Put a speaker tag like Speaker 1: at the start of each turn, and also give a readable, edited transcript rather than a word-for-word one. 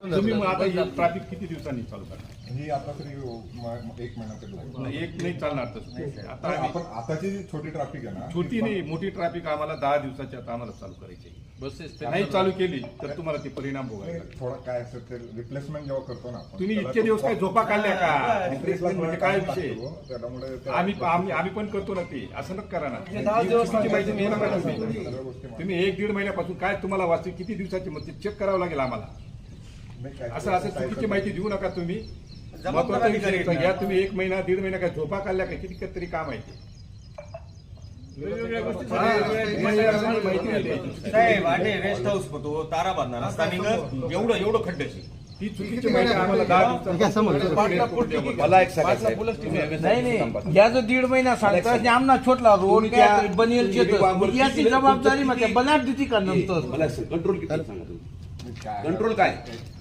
Speaker 1: तुम्ही मग आता हे ट्रॅफिक किती दिवसांनी चालू करणार?
Speaker 2: ही आता तरी 1 महिना तरी लागेल.
Speaker 1: नाही, एक नाही चालणार तसं. आता
Speaker 2: आपण आताची जी छोटी ट्रॅफिक आहे ना,
Speaker 1: छोटी नाही, मोठी ट्रॅफिक आम्हाला 10 दिवसाची आता आम्हाला चालू करायची आहे. नाही चालू केली तर तुम्हाला ते परिणाम भोगावे लागतील.
Speaker 2: थोडं काय असेल ते रिप्लेसमेंट जेव्हा करतो ना आपण,
Speaker 1: तुम्ही
Speaker 2: त्याला
Speaker 1: इतके दिवस काय झोपा काढल्या का?
Speaker 2: रिप्लेसमेंट
Speaker 1: म्हणजे काय विषय?
Speaker 2: त्यामुळे
Speaker 1: आम्ही पण करतो ना ते, असं नका करा ना. चुकीची माहिती देऊ नका तुम्ही 1-1.5 महिन्यापासून काय तुम्हाला वाचते किती दिवसाची मग ते चेक करावं लागेल आम्हाला. असं चुकीची माहिती देऊ नका तुम्ही. महत्वाचा विषय घ्या तुम्ही. 1 महिना 1.5 महिना काय झोपा काढल्या काय? किती तरी काम आहे ते.
Speaker 3: साहेब आठे रेस्ट हाऊस होतो तारा बांधणार स्थानिक एवढं खड्ड्याची
Speaker 1: ती चुकीची माहिती आम्हाला 10
Speaker 4: मला एक सांगायचं
Speaker 5: नाही या जो 1.5 महिना सांगतात आमना छोटला रोड क्या बनेल याची जबाबदारी म्हणजे बनाट देती का नंतर
Speaker 4: मला कंट्रोल किती सांगा तुम्ही कंट्रोल काय